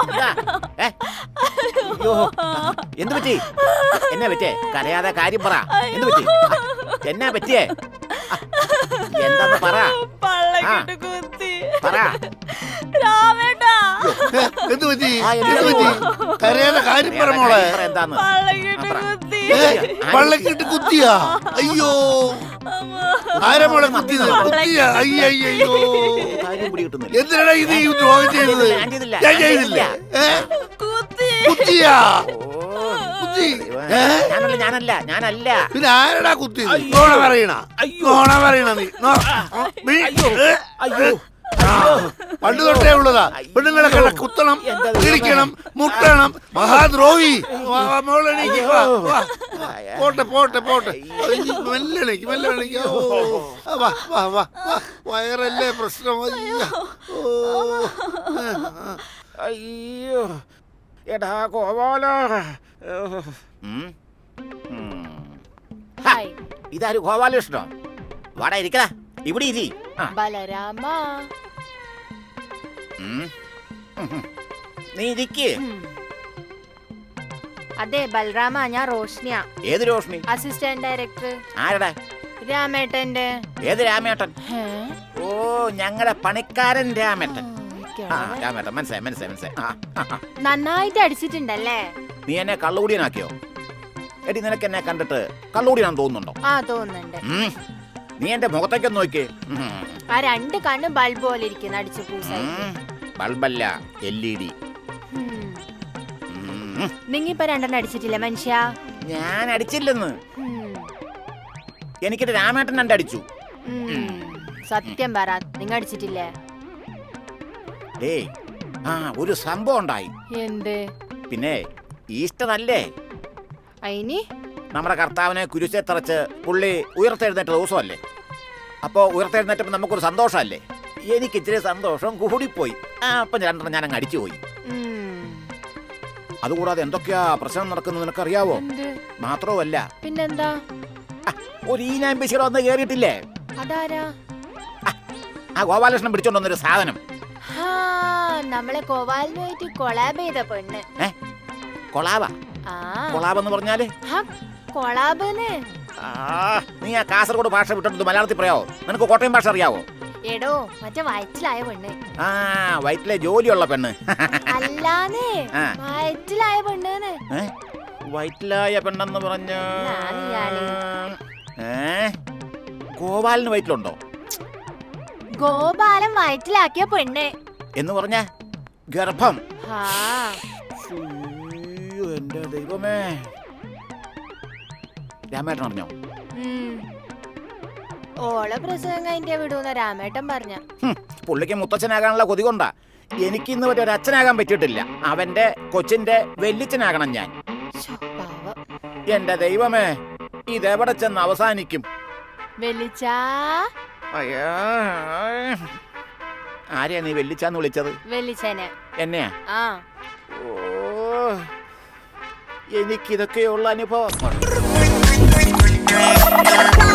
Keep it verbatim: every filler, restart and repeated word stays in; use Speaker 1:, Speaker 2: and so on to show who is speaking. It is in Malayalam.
Speaker 1: എന്ത് പറ്റി? എന്നാ പറ്റിയേ? കരയാതെ കാര്യം പറ. എന്ത് പറ്റി? എന്നാ പറ്റിയേ? എന്താന്ന് പറ. പറ.
Speaker 2: എന്ത് പറ്റി? എന്ത് പറ്റി? കരയാതെ കാര്യം പറ മോളെ.
Speaker 1: എന്താന്ന്?
Speaker 2: പള്ളക്കിട്ട് കുത്തിയാ? അയ്യോ, ആരാ മോളെ കുത്തിയത്? കുത്തിയാ? അയ്യോ, എന്തിനാ ഇത് ഈ ദ്രോഹം ചെയ്തത്? ഞാൻ ചെയ്തില്ല. കുത്തിയാ? കുത്തി?
Speaker 1: ഞാനല്ല ഞാനല്ല ഞാനല്ല
Speaker 2: പിന്നെ ആരടാ കുത്തിയത്? നോണ പറയണ, നോണ പറയണ നീ.
Speaker 1: അയ്യോ,
Speaker 2: പണ്ട് തൊട്ടേ ഉള്ളതാ. പെണ്ണുങ്ങളെ കണ്ട കുത്തണം, ഇടിക്കണം, മുട്ടണം. മഹാദ്രോഹി. മോളെണീക്ക്. പോട്ടെ പോട്ടെ പോട്ടെ. മെല്ലണേക്ക് മെല്ലണേക്ക്. വാ വാ വാ. വയറല്ലേ പ്രശ്നം.
Speaker 1: അയ്യോ എടാ കോവാല. ഇതാര് ഗോപാലകൃഷ്ണോ? വാടാ ഇരിക്കടാ, ഇവിടെ ഇരി.
Speaker 3: ബലരാമ,
Speaker 1: നീ ഇരിക്ക്.
Speaker 3: അതെ ബലരാമ, ഞാൻ റോഷ്നിയ.
Speaker 1: ഏത് റോഷ്നി?
Speaker 3: Assistant director.
Speaker 1: ആരടാ?
Speaker 3: രാമേട്ടന്റെ.
Speaker 1: ഏത് രാമേട്ടൻ? ഓ, ഞങ്ങളുടെ പണിക്കാരൻ രാമേട്ടൻ. രാമേട്ടൻ മനസ്സിലായി മനസ്സിലായി മനസ്സിലായി.
Speaker 3: നന്നായിട്ട് അടിച്ചിട്ടുണ്ടല്ലേ?
Speaker 1: നീ എന്നെ കള്ളുകൂടിയനാക്കിയോ? എടി, നിനക്ക് എന്നെ കണ്ടിട്ട് കള്ളുകൂടിയാണെന്ന് തോന്നുന്നുണ്ടോ?
Speaker 3: ആ തോന്നുന്നുണ്ട്.
Speaker 1: നീ എന്റെ മുഖത്തേക്കൊന്ന് നോക്കിയേ.
Speaker 3: ആ രണ്ട് കണ്ണും ബൾബ് പോലെ ഇരിക്കുന്നു. അടിച്ചു പൂസ.
Speaker 1: ബൾബല്ല, എൽ ഇ ഡി.
Speaker 3: നിങ്ങിപ്പോ രണ്ടെണ്ണം അടിച്ചിട്ടില്ല മനുഷ്യ?
Speaker 1: ഞാൻ അടിച്ചില്ലെന്ന്. എനിക്കിട്ട് രാമേട്ടൻ രണ്ട് അടിച്ചു.
Speaker 3: സത്യം പറ, നിങ്ങ അടിച്ചിട്ടില്ലേ?
Speaker 1: ഏയ്, ആ ഒരു സംഭവം ഉണ്ടായി.
Speaker 3: എന്ത്?
Speaker 1: പിന്നെ ഈസ്റ്റർ അല്ലേ?
Speaker 3: അയിനി
Speaker 1: നമ്മുടെ കർത്താവിനെ കുരിശെ തറച്ച് പുള്ളി ഉയർത്തെഴുന്നേറ്റ ദിവസമല്ലേ? അപ്പോ ഉയർത്തെഴുന്നേറ്റപ്പോ നമുക്കൊരു സന്തോഷമല്ലേ? എനിക്ക് ഇച്ചിരി സന്തോഷം കൂടിപ്പോയി. ആ അപ്പം രണ്ടെണ്ണം ഞാൻ അങ്ങ് അടിച്ചു പോയി. അതുകൂടാതെ എന്തൊക്കെയാ പ്രശ്നം നടക്കുന്നത് നിനക്കറിയാവോ? മാത്രവുമല്ല,
Speaker 3: പിന്നെന്താ,
Speaker 1: ഒരു ഈനാമ്പശിയുടെ വന്ന് കേറിയിട്ടില്ലേ?
Speaker 3: അതാരാ?
Speaker 1: ആ ഗോപാലകൃഷ്ണൻ പിടിച്ചോണ്ട് വന്നൊരു സാധനം.
Speaker 3: നമ്മളെ കോവാലിനുമായിട്ട് കൊളാബ് ചെയ്ത പെണ്ണ്.
Speaker 1: കൊളാബാ? കൊളാബെന്ന് പറഞ്ഞാല്?
Speaker 3: കൊളാബെന്ന്.
Speaker 1: നീ ആ കാസർഗോഡ് ഭാഷ വിട്ടിട്ട് മലയാളത്തിൽ പറയാവോ? നിനക്ക് കോട്ടയം ഭാഷ അറിയാവോ?
Speaker 3: എടോ, മറ്റേ വയറ്റിലായ പെണ്ണ്.
Speaker 1: ആ, വയറ്റിലെ ജോലിയുള്ള പെണ്ണ്.
Speaker 3: അല്ലാന്നേ, വയറ്റിലായ പെണ്ണ്.
Speaker 1: വയറ്റിലായ പെണ്ണെന്ന് പറഞ്ഞ ഗോപാലിന് വയറ്റിലുണ്ടോ?
Speaker 3: ഗോപാലൻ വയറ്റിലാക്കിയ പെണ്ണ്
Speaker 1: എന്ന് പറഞ്ഞ ഗർഭം. എന്റെ ദൈവമേ, രാമേട്ടൻ അറിഞ്ഞോ?
Speaker 3: ഓളെ പ്രസവം കഴിഞ്ഞ വിടൂന്ന രാമേട്ടൻ പറഞ്ഞ.
Speaker 1: പുള്ളിക്ക് മുത്തച്ഛനാകാനുള്ള കൊതി കൊണ്ടാ. എനിക്ക് ഇന്ന് വരെ ഒരു അച്ഛനാകാൻ പറ്റിയിട്ടില്ല. അവന്റെ കൊച്ചിന്റെ വെല്ലിച്ചനാകണം ഞാൻ. എന്റെ ദൈവമേ, ഇതെവിടെ ചെന്ന് അവസാനിക്കും?
Speaker 3: വെല്ലിച്ചാ,
Speaker 1: ആരെയാ നീ വെല്ലിച്ചാന്ന് വിളിച്ചത്?
Speaker 3: വെല്ലിച്ചനെ.
Speaker 1: എന്നെയാ?
Speaker 3: ആ.
Speaker 1: ഓ, എനിക്കിതൊക്കെയുള്ള അനുഭവം.